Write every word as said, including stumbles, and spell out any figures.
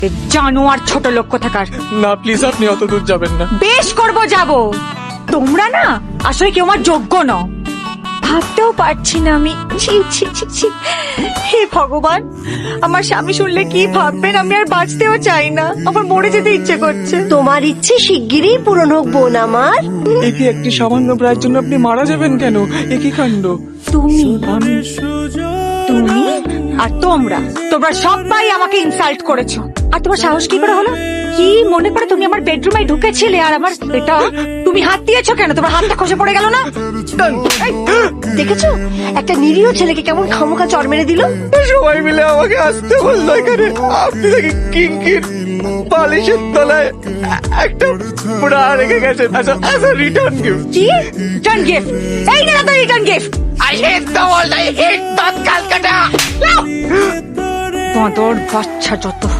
জানোয়ার ছোট লোক কোথাকার। না প্লিজ, আপনি অত দূর যাবেন না। বেশ করব, যাব। তোমরা না আসলে কেউ আমার যোগ্য নও, ভাবতেও পারছি না আমি। ছি ছি ছি ছি। হে ভগবান, আমার স্বামী শুনলে কি ভাববেন? আমি আর বাঁচতেও চাই না, আমার মরে যেতে ইচ্ছে করছে। তোমার ইচ্ছে শিগগিরই পূরণ হোক বোন আমার। একে একটি সামান্য প্রায়ের জন্য আপনি মারা যাবেন কেন? একই কাণ্ড। তুমি আমি তুমি আর তোমরা তোমরা সবাই আমাকে ইনসাল্ট করেছো। আর তোমার সাহস কি করে হলো? কি মনে করে তুমি আমার বেডরুমে ঢুকেছিলে আর আমার এটা তুমি হাত দিয়েছো কেন? তোমার হাতটা খসে পড়ে গেল না? এই, দেখেছো একটা নিরীহ ছেলেকে কেমন খামোখা চড় মেরে দিল। সবাই মিলে আমাকে আসতে বললো এখানে, আপনি দেখি কিঙ্কির বালিশের তলায় একটা পুরা রেখে গেছেন অ্যাজ আ রিটার্ন গিফট। কি রিটার্ন গিফট? এই না তো return gift. I hate the world, I hate that Calcutta. বাঁদর বাচ্চা যত